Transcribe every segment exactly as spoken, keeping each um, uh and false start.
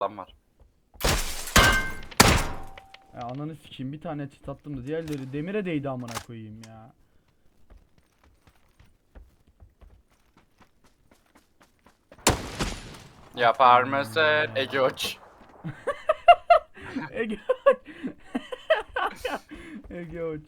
Adam var. Ya ananı sikeyim, bir tane çit attım da diğerleri demire değdi amına koyayım ya. Yapar mısın Ege Uç? Ege Ege uç.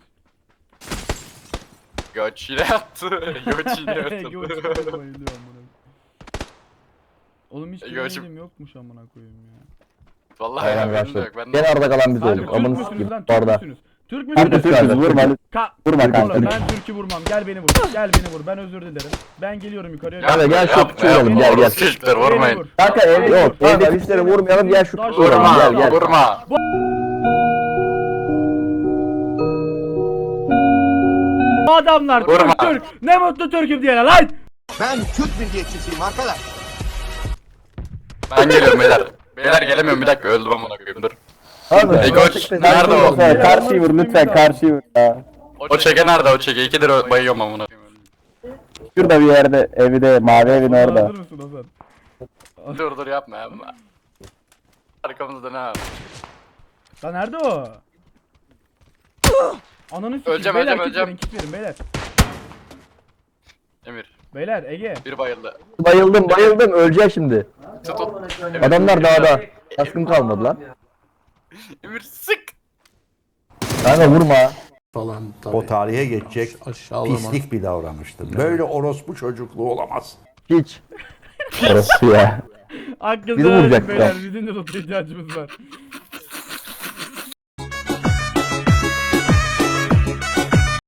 Göç yine yattı. Göç yine Ege uç yattı. böyle bayılıyor amına. Oğlum hiç Ege uç- görmedim yokmuş amına koyayım ya. Vallahi Aynen ya, benim de yok. arkadaşlar. Ben de... Gene arada kalan biz Hadi olduk. Türk Amını müsünüz sikeyim. lan? Türk Orada. müsünüz? Türk Türk müsünüz? müsünüz? Vurma. Ka Vurma Oğlum, kanka. ben Türk'ü vurmam. Gel beni vur. Gel beni vur. Ben özür dilerim. Ben geliyorum yukarıya. Kanka gel şu Yapma, kutu vuralım, yapma, gel, gel. orospu çocuklar, Beni vurmayın. vur. Kanka ev Beni yok. vur. Evde güçleri vurmayalım. Gel şu kutu vuralım. Vurma, Gel gel. vurma. Bu adamlar Vurma. Türk Türk. Ne mutlu Türk'üm diyene lan. Ben Türk milliyetçisiyim arkadaş. Ben geliyorum beyler. Beyler gelemiyorum, bir dakika öldüm amına koyayım, dur. Abi, Ey koç, nerede o? Lütfen karşıyı vur lütfen karşıyı vur ya. O çeke nerede, o çeke? İkidir ö- bayıyorum amına koyayım. Şurada bir yerde evi de mavi evin orada. Hazır mısın Hasan? Dur dur yapma yapma. Arkamızda ne var? Lan nerede o? Ananı sikeyim. Öleceğim, Beyler öleceğim, kit verin, öleceğim. kit verin beyler. Emir, Beyler Ege. bir bayıldı. Bayıldım bayıldım öleceğim şimdi. Tut tut. Emir, Adamlar Emir, dağda. Kaskım kalmadı lan. Emir sık. Kanka vurma. Falan tabii. O tarihe geçecek Aşağılama. pislik bir davranıştır. Böyle orospu çocukluğu olamaz. Hiç. Orası ya. Hakkınızı Biri verin vuracak beyler. ya. Bizim de loot'a ihtiyacımız var.